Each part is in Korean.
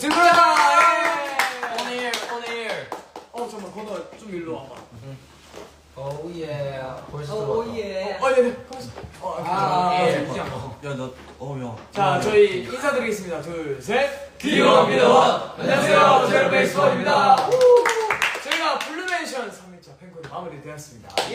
들어라! 오늘. 잠깐만, 건우야, 좀 일로 와봐. 오예. 벌써 오예. 네네. 자, 저희 인사드리겠습니다. 둘, 셋. 기원입니다. 안녕하세요, 제로베이스원입니다. 저희가 블루맨션 3일차 팬콘이 마무리되었습니다. 예!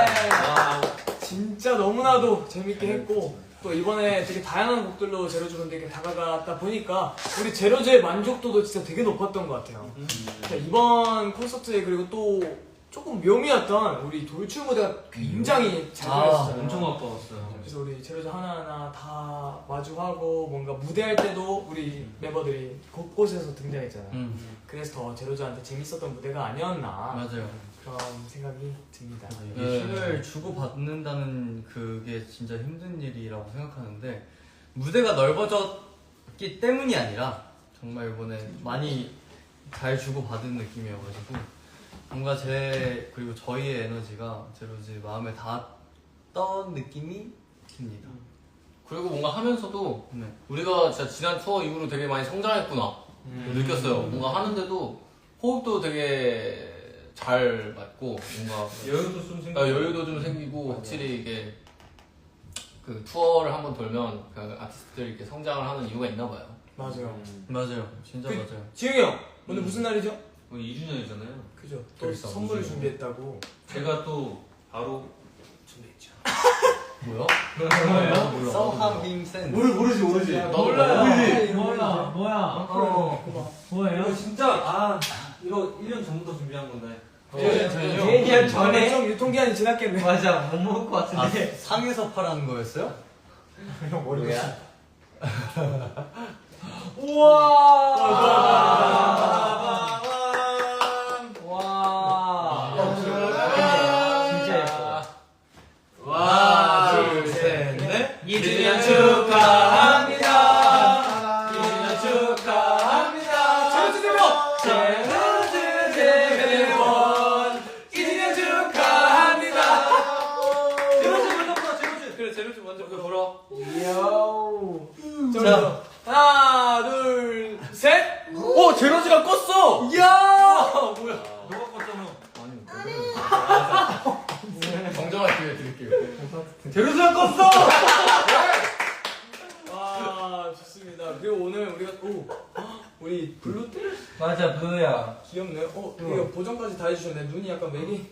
진짜 너무나도 재밌게 했고, 또 이번에 되게 다양한 곡들로 제로즈 분들께 다가갔다 보니까 우리 제로즈의 만족도도 진짜 되게 높았던 것 같아요. 자, 이번 콘서트에 그리고 또 조금 묘미였던 우리 돌출 무대가 굉장히 잘 들렸었잖아요. 엄청 아까웠어요. 그래서 우리 제로즈 하나하나 다 마주하고 뭔가 무대할 때도 우리 멤버들이 곳곳에서 등장했잖아요. 그래서 더 제로즈한테 재밌었던 무대가 아니었나 맞아요. 그런 생각이 듭니다. 이게 힘을 주고 받는다는 그게 진짜 힘든 일이라고 생각하는데 무대가 넓어졌기 때문이 아니라 정말 이번에 많이 잘 주고 받은 느낌이어가지고 뭔가 그리고 저희의 에너지가 제로즈 마음에 닿았던 느낌이 듭니다. 그리고 뭔가 하면서도 네. 우리가 진짜 지난 투어 이후로 되게 많이 성장했구나 느꼈어요. 뭔가 하는데도 호흡도 되게 잘 맞고 뭔가 여유도 좀 생기고 확실히 이게 그 투어를 한번 돌면 그 아티스트들이 이렇게 성장을 하는 이유가 있나 봐요. 맞아요. 맞아요. 진짜 맞아요. 지웅이 형, 오늘 무슨 날이죠? 오늘 2주년이잖아요. 그죠. 또 그래서 선물을 2주년. 준비했다고. 제가 또 바로 준비했죠. 뭐야? 뭐예요? 서하빔센 모르지. 몰라. 뭐야? 뭐예요? 이거 진짜 이거 1년 전부터 준비한 건데. 1년 전에 좀 유통기한이 지났겠네. 맞아. 못 먹을 것 같은데. 상에서 파라는 거였어요? 형 머리가. 진짜 예뻐. 둘, 셋, 넷. 2주년 축하합니다. 2주년 축하합니다. 제로즈 대본! 제로즈 대회원 2주년 축하합니다. 제로즈 먼저 불러. 제로즈. 그래 제로즈 먼저 불러. 자, 하나, 둘, 셋. 오, 제로즈가 껐어. 이야. 뭐야? 너가 껐잖아. 정정할 기회 드릴게요. 제로즈가 껐어. 와, 좋습니다. 그리고 오늘 우리 블루들 맞아 블루야. 귀엽네요. 이거 보정까지 다 해주셨네. 눈이 약간 맥이.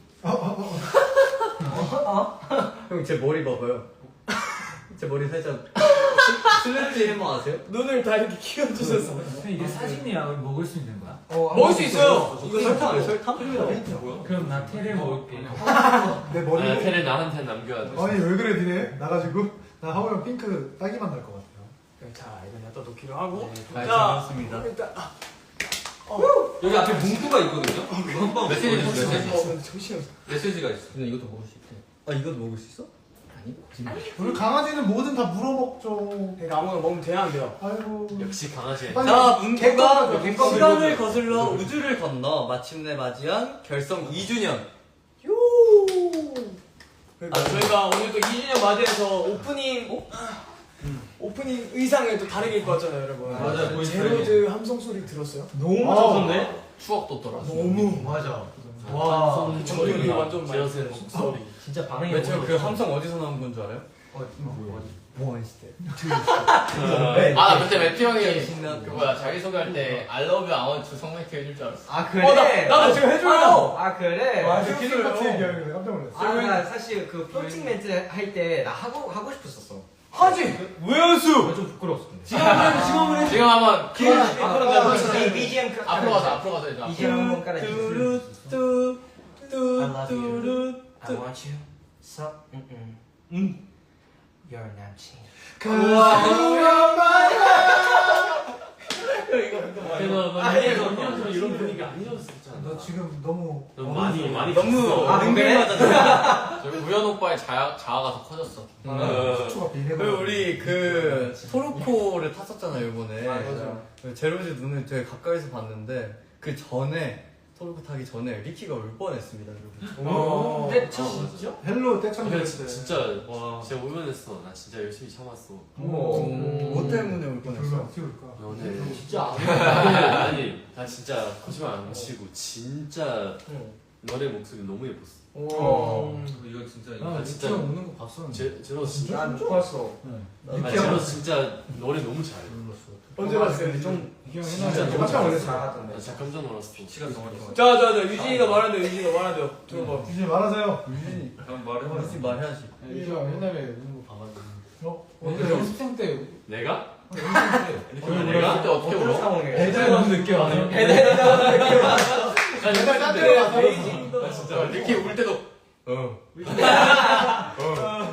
형 제 머리 봐봐요. 제 머리 살짝 슬래치 해머 아세요? 눈을 다 이렇게 키워주셔서. 이게 사진이야. 먹을 수 있는 거야? 먹을 수 있어요. 이거 설탕 설탕? 그럼 나 테레 먹을게. 내 머리 테레 나한테 남겨야 돼. 아니 왜 그래 니네 나가지고 나 하우랑 핑크 딱이만 날 것 같아요. 자, 이건 갖다 놓기로 하고. 잘 자, 잘했습니다. 일단 여기 앞에 문구가 있거든요. 이거 한번 메시지 주 메시지. 정신. 메시지가 있어. 근데 이것도 먹을 수 있대. 아 이것도 먹을 수 있어? 우리 강아지는 뭐든 다 물어먹죠. 그러니까 아무거나 먹으면 돼야 안 돼요. 아이고. 역시 강아지. 빨리 자, 문구가 객관 시간을 거슬러 우주를 건너 마침내 맞이한 결성 2주년. 그러니까 저희가 오늘 또 2주년 맞이해서 오프닝 의상을 또 다르게 입고 왔잖아요, 여러분. 맞아요. 제로즈 함성 소리 들었어요? 너무 좋던데? 추억 돋더라. 너무. 맞아. 와, 정준이 소리가 완전 지어서 많이 목소리. 진짜 반응이 왜 제가 그 함성 어디서 나온 건 줄 알아요? 뭐 했을 때? 나 그때 매튜 형이 신나는 그 뭐야 자기 소개할 때 I love you, I want to 성매트 해줄 줄 알았어. 아 그래? 나도 지금 해줘요. 아 그래? 맞아. 키링 같은 얘기하는 거 깜짝 놀랐어. 나 사실 그 플로팅 멘트 할 때 나 하고 싶었었어. 하지. 왜 연수? 좀 부끄러웠어. 근데. 지금 한번 BGM 앞으로 가서 해줘. BGM 한번 깔아주세요. I want you so your 남친. 이런 분위기 아니었었잖아. 너 지금 너무 많이 너무 아, 능글하잖아. 저기 우연 오빠의 자아가 더 커졌어. 수초가 비례가. 그리고 우리 그 토르코를 탔었잖아요 이번에. 맞아요. 제로즈 눈을 되게 가까이서 봤는데 그 전에 토크 타기 전에 리키가 울 뻔했습니다, 여러분. 진짜? 헬로 떼창 근데 됐을 때. 진짜 진짜 울면했어. 나 진짜 열심히 참았어. 뭐 때문에 울 뻔했어? 불면 어떻게 울까? 연애. 진짜 아니 나 진짜 거짓말 안 치고 진짜 너네 목소리 너무 예뻤어. 이거 진짜 나 진짜 우는 거 봤었는데. 제로 진짜 난못 봤어. 제로 진짜 노래 너무 잘해. 언제 봤어요? 진짜 너무 깜짝 원래 잘했어. 잘하던데. 나 진짜 깜짝 놀랐어. 시간 정말 좋아. 자, 유진이가 말한대요. 유진이가 말한대요. 들어봐. 이제 말하세요. 유진이 그럼 말해봐. 유진이 말해야지. 유진아 옛날에 우는 거 봐가지고. 언제 연습생 때 내가? 내가 그때 어떻게 울어? 상황에. 배달 너무 늦게 와요. 나 내가 딴데 베이징도 나 진짜 리키 울 때도 그러니까.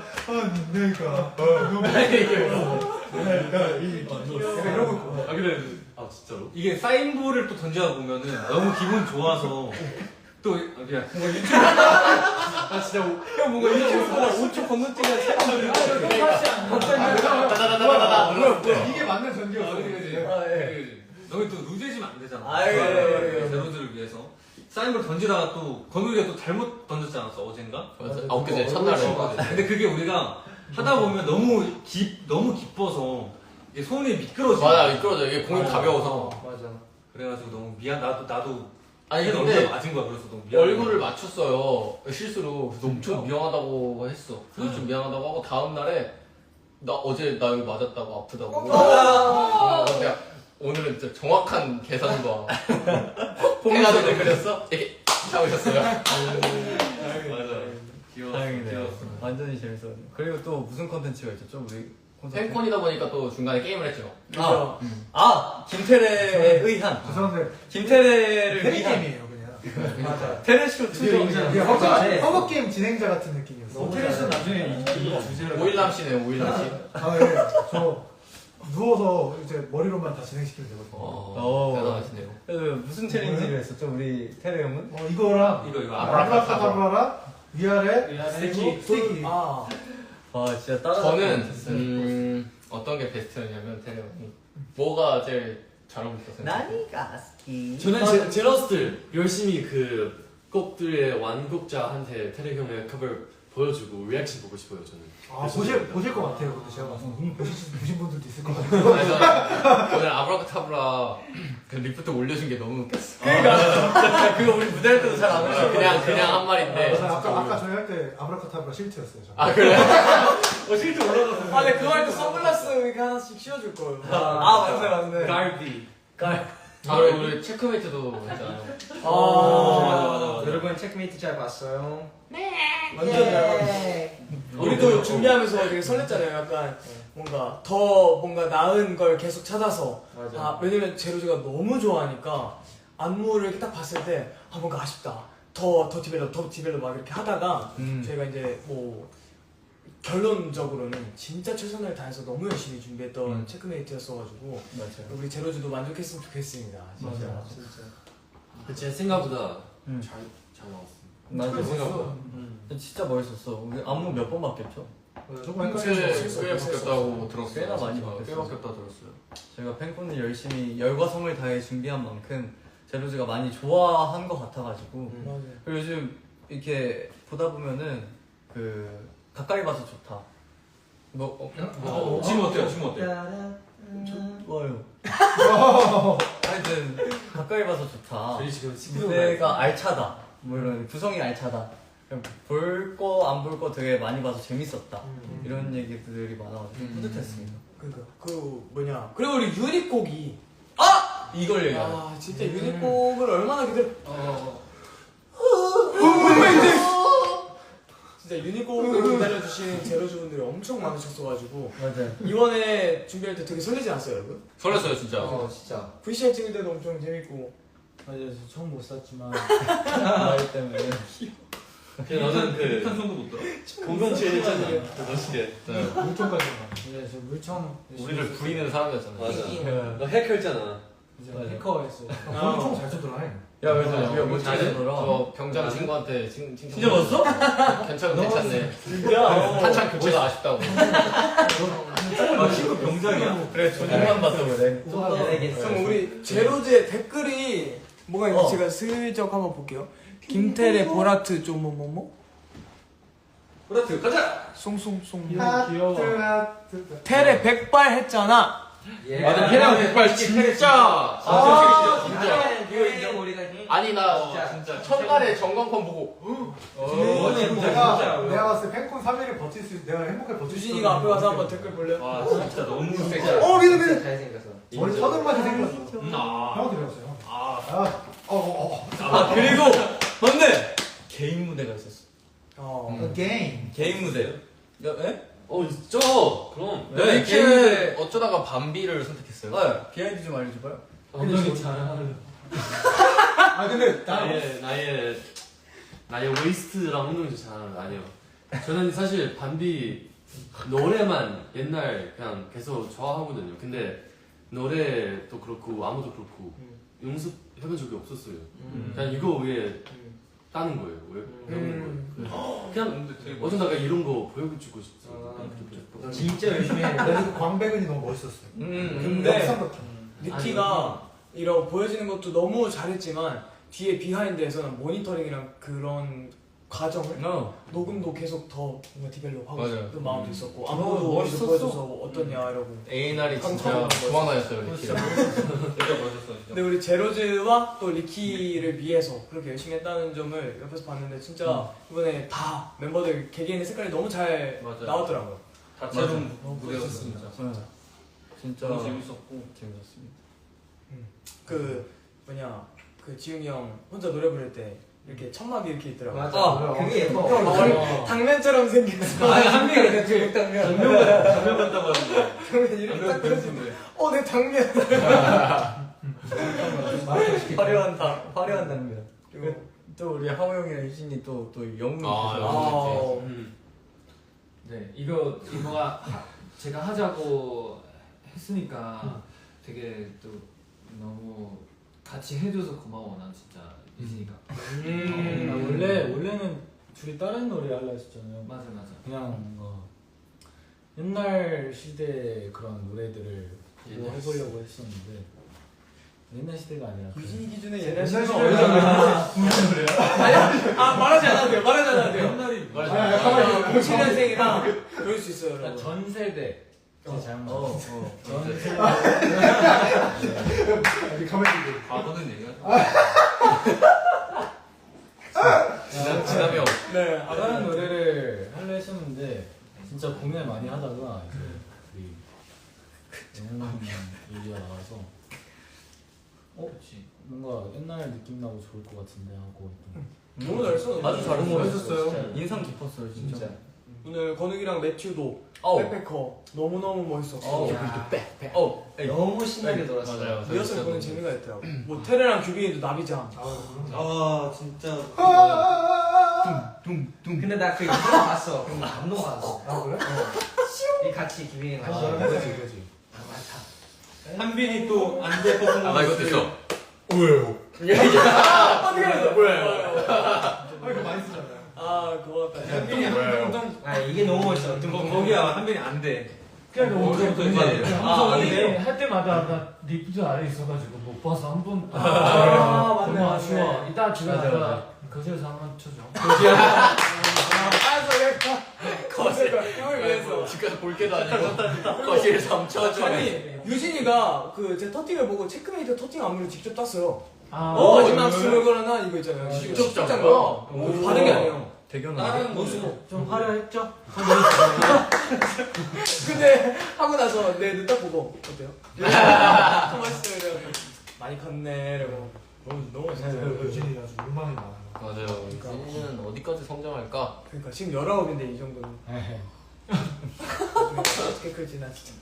이러고 있고. 아 그래. 아 진짜로? 이게 사인볼을 또 던져다 보면은 너무 기분 좋아서 또 그냥 뭔가 유튜브 나 진짜 형 뭔가 유튜브보다 5초 건너뛰기가 사람들이 이게 맞는 전기였어. 너희 또 루즈해지면 안 되잖아. 아유, 아유. 제로들을 위해서 사인볼 던지다가 또 건우리가 또 잘못 던졌지 않았어 어젠가? 맞아. 엊그제 첫날에. 근데 그게 우리가 하다 보면 너무 기뻐서 이게 손이 미끄러져. 맞아, 미끄러져. 이게 공이 가벼워서. 맞아. 그래가지고 너무 미안. 나도 아니 근데 근데 맞은 거야. 그래서 너무 미안. 얼굴을 맞췄어요 실수로. 그래서 엄청 미안하다고 했어. 좀 미안하다고 하고 다음 날에 나 어제 나 여기 맞았다고 아프다고. 근데 오늘은 진짜 정확한 계산과 해가지고 그렸어. 이렇게 잡으셨어요. 맞아. 귀여워. 다행이네요. 완전히 재밌었네. 그리고 또 무슨 컨텐츠가 있었죠? 우리 콘서트? 팬콘이다 보니까 또 중간에 게임을 했죠. 김태래에 의한. 죄송한데 김태래를 테레 위한 게임이에요 그냥. 맞아. 테레쇼 투정. 이게 허브 게임 진행자 같은 느낌이었어. 테레스 나중에 이 주제로. 오일남씨네요, 오일남씨. 아 예. 저 누워서 이제 머리로만 다 진행시키면 되거든요. 대단하시네요. 그래서 무슨 챌린지를 했었죠? 우리 테레 형은? 이거랑 이거 아브라카다브라랑 위아래 스테이키. 스테이키. 아, 와 진짜 따라. 저는 어떤 게 베스트였냐면 테레 형이 뭐가 제일 잘 어울렸어요? 나니가 스키. 저는 제러스들 열심히 그 곡들의 완곡자한테 테레 형의 커버 보여주고 리액션 보고 싶어요 저는. 아 보실 것 같아요. 근데 제가 봐서 이미 보신 분들도 있을 것 같아요. 그래서 오늘 아브라카타브라 그 리프트 올려준 게 너무 웃겼어. 그거 우리 무대할 때도 잘 안 올려. 그냥 한 말인데. 아까 저희 할 때 아브라카타브라 실트였어요. 저는. 아 그래? 실제 올라갔어. 근데 그거 할 때 선글라스 이렇게 하나씩 씌워줄 거예요. 맞네. 갈비. 아 우리 체크메이트도 했잖아요. 맞아. 여러분 체크메이트 잘 봤어요? 완전 잘 봤어. 우리도 준비하면서 되게 설렜잖아요. 약간 뭔가 더 뭔가 나은 걸 계속 찾아서. 아, 왜냐면 제로즈가 너무 좋아하니까 안무를 이렇게 딱 봤을 때 아 뭔가 아쉽다. 더 디벨롭 막 이렇게 하다가 저희가 이제 뭐 결론적으로는 진짜 최선을 다해서 너무 열심히 준비했던 체크메이트였어가지고 맞아요. 우리 제로즈도 만족했으면 좋겠습니다. 진짜. 맞아요. 진짜. 제 생각보다 음. 잘 나왔어. 맞아. 생각보다. 진짜 멋있었어. 우리 안무 몇 번 바뀌었죠? 조금 꽤 바뀌었다고 들었어요. 꽤나 많이 꽤 바뀌었어요. 바뀌었다 들었어요. 저희가 팬콘을 열심히 열과 성을 다해 준비한 만큼 제로즈가 많이 좋아한 것 같아가지고 맞아요. 그리고 요즘 이렇게 보다 보면은 그 가까이 봐서 좋다. 지금 어때요? 지금 어때요? 좋아요. 하여튼 가까이 봐서 좋다. 저희 지금 스피드 무대가 알차다. 뭐 이런 구성이 알차다. 볼 거 안 볼 거 되게 많이 봐서 재밌었다. 이런 얘기들이 많아가지고 뿌듯했습니다. 그러니까 그 뭐냐. 그리고 우리 유닛곡이 이걸 얘기하는. 아 진짜 유닛곡을 얼마나 기다려. 진짜 유닛곡을 기다려주신 제로즈 분들이 엄청 많으셨어가지고 맞아요. 이번에 준비할 때 되게 설레지 않았어요 여러분? 설렜어요 진짜. 진짜. VCR 찍을 때도 엄청 재밌고. 맞아요. 저 처음 못 샀지만 나이 때문에. 너는 그 한 손도 못 들어. 공동체 했잖아. 멋있게. 물총까지. 네, 저 물청 우리를 부리는 사람이었잖아요. 맞아. 너 해커했잖아. 해커했어요. 물총 잘 쏘더라. 야, 그래서 우리가 못 찾아더라. 저 병장 친구한테 칭찬. 진짜 봤어? 괜찮네. 진짜? 한창 교체가 아쉽다고. 친구 병장이야? 그래, 조직만 봤어, 그래. 그럼 우리 제로즈의 댓글이 뭐가 있는지 제가 슬쩍 한번 볼게요. 김태래 보라트 좀 뭐뭐뭐 그렇지 가자. 송송송 귀여워. 태래 백발 했잖아. 맞아, 태양 백발 진짜. 이거 인정 우리가. 아니 나 진짜. 첫날에 전광판 보고 내가 봤을 때 팬콘 3일을 버틸 수 내가 행복하게 버틸 수 유진이가 앞에 가서 한번 댓글 볼래요? 와 진짜 너무 섹시해. 미안. 잘생겼어. 머리 서늘맞이 생겼어. 형한테 배웠어요. 그리고 맞네. 개인 무대가 있었어. 게임. 개인 무대요? 예? 있죠. 그럼. 네, 개인 무대. 어쩌다가 밤비를 선택했어요. 네, 비하인드 좀 알려줘봐요. 엉덩이 잘하는. 근데 나의 웨이스트랑 운동이 잘 아니에요. 저는 사실 반비 노래만 옛날 그냥 계속 좋아하거든요. 근데 노래도 그렇고 아무도 그렇고 연습해본 적이 없었어요. 그냥 이거 위에 따는 거예요. 왜 배우는 거예요. 그냥 어쩌다가 이런 거 보여주고 싶어요. 진짜 열심히 해. 그래서 광배근이 너무 멋있었어요. 근데 역삼 같죠. 니키가 이런 보여지는 것도 너무 잘했지만 뒤에 비하인드에서는 모니터링이랑 그런 과정을 녹음도 계속 더 뭔가 디벨롭하고 맞아요. 싶은 마음도 있었고 안무도 멋있었어. 보여줘서 어떠냐 이러고. A&R이 진짜 깜짝 도망다녔어요, 리키랑. 진짜 멋있어 진짜. 근데 우리 제로즈와 또 리키를 위해서 그렇게 열심히 했다는 점을 옆에서 봤는데 진짜 이번에 다 멤버들 개개인의 색깔이 너무 잘 맞아요. 나왔더라고요. 다채로운 너무 무대였습니다. 진짜 너무 재밌었고 재밌었습니다. 그 지웅이 형 혼자 노래 부를 때 이렇게 천막이 이렇게 있더라고요. 맞아. 그게 예뻐. 당면처럼 생겼어. 한 명이니까 중국 당면. 전면 같다고 하는데. 당면 이렇게 딱 그려지네. 내 당면. 화려한 당면. 그리고 또 우리 하호 형이랑 유진이 또 영웅이 되셔서 네, 이거가 제가 하자고 했으니까 되게 또 너무 같이 해줘서 고마워. 난 진짜 유진이가. 원래는 둘이 다른 노래 하려 했었잖아요. 맞아. 그냥 옛날 시대 그런 노래들을 뭐 해보려고 했었는데 옛날 시대가 아니라 유진이 기준에 옛날 옛날 시대가 말하지 않아도 돼요. 말하지 않아도 돼요. 옛날이 07년생이랑 그럴 수 있어요. 여러분. 전 세대. 제 잘못. 전 세대 가만히 과거는 얘기가. 지나며. 네. 다른 노래를 하려 했었는데 진짜 고민을 많이 하다가 이제 우리 영웅 얘기가 나와서 뭔가 옛날 느낌 나고 좋을 것 같은데 하고 너무 잘했어. 아주 잘했어요. 멋있었어요. 인상 깊었어요 진짜. 오늘 건욱이랑 매튜도 백패커 너무너무 멋있었고 너무 신나게 놀았어. 맞아요. 리허설 보는 재미가 있더라고. 뭐 테레랑 규빈이도 나비장. 아 진짜. 근데 나 그 이거 봤어. 그럼 감동받았어. 그래? 이 같이 기빈이 같이. 그렇지. 한빈이 또 안돼 퍼포먼스. 나 이것도 있어. 어떻게 했어? 뭐야? 이거 많이 쓰잖아요. 고맙다. 아 이게 너무 멋있어. 거기야 한빈이 안 돼. 그냥 엄청 근데 할 때마다 나 리프트 아래 있어가지고 못 봐서 한 번. 맞네. 너무 아쉬워. 이따 집에 맞아, 가서 맞아. 거실에서 한 번 쳐줘. 거실 형을 위해서. 집 가서 볼 게도 아니고 거실에서 엄청 아니 유진이가 제 터팅을 보고 체크메이트 터팅 안무를 직접 땄어요. 아, 스물 거나 이거 있잖아요. 직접 짠 짠 거. 거야? 받은 게 아니에요. 대견하게. 좀 화려했죠? 근데 하고 나서 내 눈 딱 보고 어때요? 멋있어 이래요. 많이 컸네 이러고. 너무 멋있어요. 유진이 아주 욕망이 많아. 맞아요. 유진이는 어디까지 성장할까? 그러니까 지금 19인데 이 정도는 어떻게 클지 나 진짜.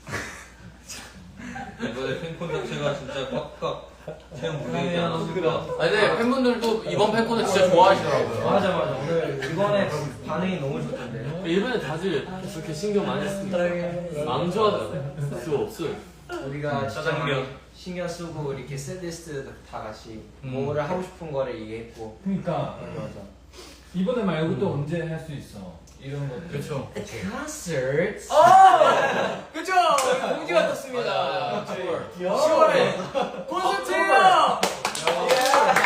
이번에 팬콘 자체가 진짜 꽉꽉 채운 무대이지 않았을까. 아니 근데 팬분들도 이번 팬콘을 진짜 좋아하시더라고요. 맞아. 오늘 이번에 반응이 너무 좋던데. 일본에 다들 그렇게 신경 많이 쓰니까 망조할 수 없어요. 우리가 진짜 짜장면. 많이 신경 쓰고 이렇게 셋리스트 다 같이 뭐를 하고 싶은 거를 얘기했고. 그러니까 맞아. 이번에 말고 또 언제 할 수 있어? 이런 것들. 그렇죠. 콘서트. 그죠? 공지가 떴습니다. 맞아. 10월에 콘서트!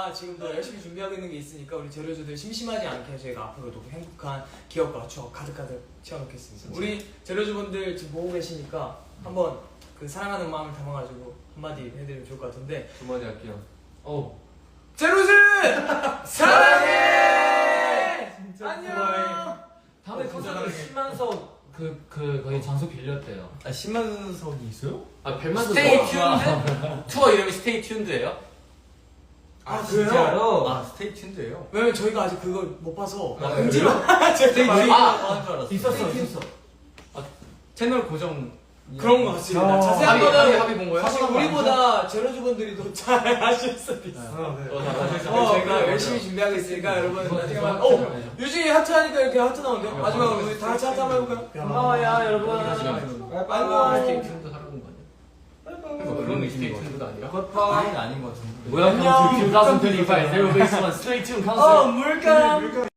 저희가 지금도 열심히 준비하고 있는 게 있으니까 우리 제로즈들 심심하지 않게 저희가 앞으로도 행복한 기억과 추억 가득가득 채워놓겠습니다. 우리 제로즈분들 지금 보고 계시니까 한번 그 사랑하는 마음을 담아가지고 한마디 해드리면 좋을 것 같은데. 두 마디 할게요. 제로즈 사랑해. 안녕. 다음에 콘서트 10만석 거기 장소 빌렸대요. 아 10만석이 있어요? 아 벨만도 스테이 튠드? 투어 이름이 스테이 튠드예요? 아 진짜로? 아 스테이 튠드예요? 왜냐면 저희가 아직 그걸 못 봐서 아, 음지로 스테이 튠드 아, 하는 줄 알았어. 있었어. 채널 고정 그런 것 같습니다. 자세한 합의 거는 합의 본 거예요? 사실 우리보다 제로즈 분들이 더 잘 아실 수도 있어. 저희가 열심히 준비하고 있으니까 여러분 나중에만. 유진이 하트 하니까 이렇게 하트 나오는데 마지막으로 우리 다 같이 하트 한번 해볼까요? 고마워요 여러분. 스테이 튠드 하라는 거 아니야? 그런 스테이 튠드가 아니라? 아닌 것 같은데. Welcome to 2025 Zero Base One Stay Tuned concert. 물감.